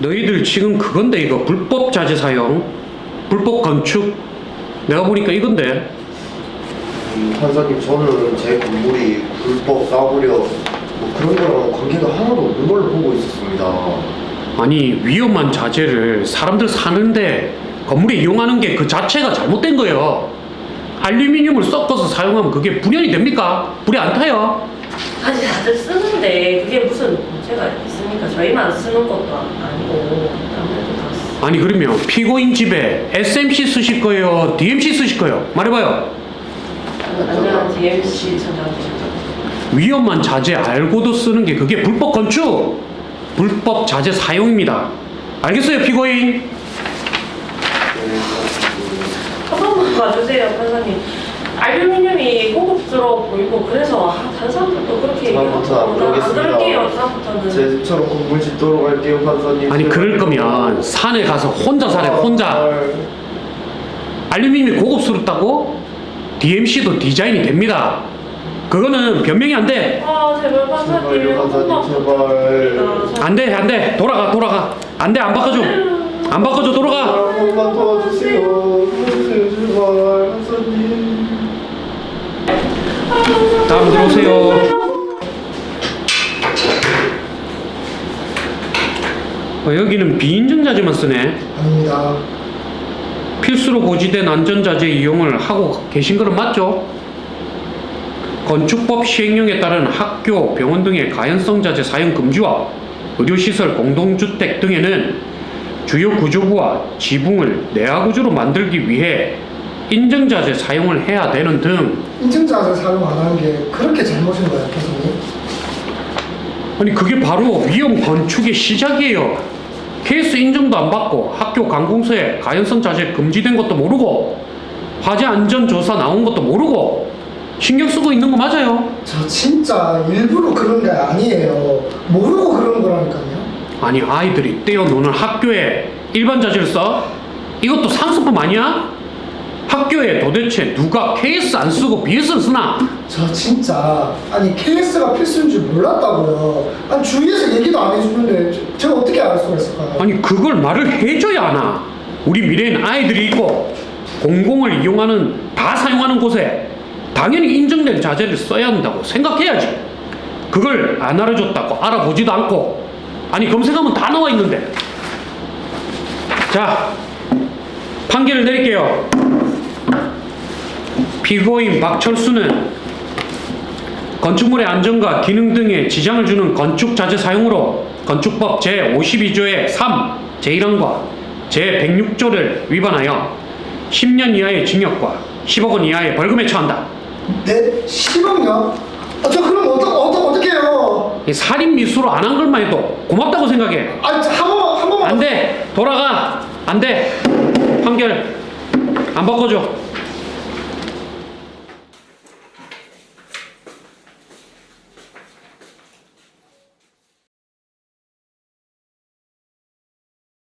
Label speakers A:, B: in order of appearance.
A: 너희들 지금 그건데 이거 불법 자재 사용, 불법 건축. 내가 보니까 이건데.
B: 판사님, 저는 제 건물이 불법 싸구려 뭐 그런 거랑 관계가 하나도 없는 걸로 보고 있었습니다.
A: 아니 위험한 자재를 사람들 사는데 건물에 이용하는 게 그 자체가 잘못된 거예요. 알루미늄을 섞어서 사용하면 그게 불연이 됩니까? 불이 안 타요.
C: 아니 다들 쓰는데 그게 무슨 문제가 있습니까? 저희만 쓰는 것도 아니고 아무래도 다 쓰.
A: 아니 그러면 피고인 집에 SMC 쓰실 거예요? DMC 쓰실 거예요? 말해봐요.
C: 안전한 DMC 천장주시죠.
A: 위험한 자재 알고도 쓰는 게 그게 불법 건축, 불법 자재 사용입니다. 알겠어요, 피고인?
C: 한 번만 봐주세요, 판사님. 알루미늄이 고급스러워 보이고 그래서 다른 사람들도 그렇게
B: 다음부터 안 그러겠습니다.
C: 그럴게요. 다음부터는.
B: 제 집처럼 건물 짓도록 할게요, 판사님.
A: 아니 그럴 거면 산에 가서 혼자 살래, 혼자. 알루미늄이 고급스럽다고? DMC도 디자인이 됩니다. 그거는 변명이 안 돼.
C: 아 제발 판사님
B: 제발요,
C: 한 번만
B: 판사님, 제발.
C: 부탁드립니다.
A: 안 돼, 안 돼. 돌아가. 안 돼, 안 바꿔줘. 안 바꿔줘, 돌아가.
B: 한 번만 도와주세요. 도와주세요, 제발, 판사님.
A: 다음 들어오세요. 여기는 비인증 자재만 쓰네.
D: 아닙니다.
A: 필수로 고지된 안전자재 이용을 하고 계신 거는 맞죠? 건축법 시행령에 따른 학교, 병원 등의 가연성 자재 사용 금지와 의료시설, 공동주택 등에는 주요 구조부와 지붕을 내화 구조로 만들기 위해 인증자재 사용을 해야 되는 등.
D: 인증자재 사용 안 하는 게 그렇게 잘못인 거예요, 교수님?
A: 아니 그게 바로 위험 건축의 시작이에요. KS 인증도 안 받고 학교 관공서에 가연성 자재 금지된 것도 모르고 화재 안전 조사 나온 것도 모르고 신경 쓰고 있는 거 맞아요?
D: 저 진짜 일부러 그런 게 아니에요. 모르고 그런 거라니까요.
A: 아니 아이들이 떼어노는 학교에 일반 자재를 써? 이것도 상습범 아니야? 학교에 도대체 누가 KS 안 쓰고 BS를 쓰나?
D: 저 진짜 아니 KS가 필수인 줄 몰랐다고요. 아니 주위에서 얘기도 안 해주는데 제가 어떻게 알 수가 있을까요?
A: 아니 그걸 말을 해줘야 하나? 우리 미래엔 아이들이 있고 공공을 이용하는 다 사용하는 곳에 당연히 인증된 자재를 써야 한다고 생각해야지. 그걸 안 알아줬다고 알아보지도 않고. 아니 검색하면 다 나와 있는데. 자 판결을 내릴게요. 피고인 박철수는 건축물의 안전과 기능 등에 지장을 주는 건축자재 사용으로 건축법 제52조의 3, 제1항과 제106조를 위반하여 10년 이하의 징역과 10억 원 이하의 벌금에 처한다.
D: 네? 10억요? 저 그럼 어떻게 해요?
A: 이 살인 미수로 안 한 것만 해도 고맙다고 생각해.
D: 아니 한 번만
A: 안 돼. 돌아가. 안 돼. 판결 안 바꿔줘.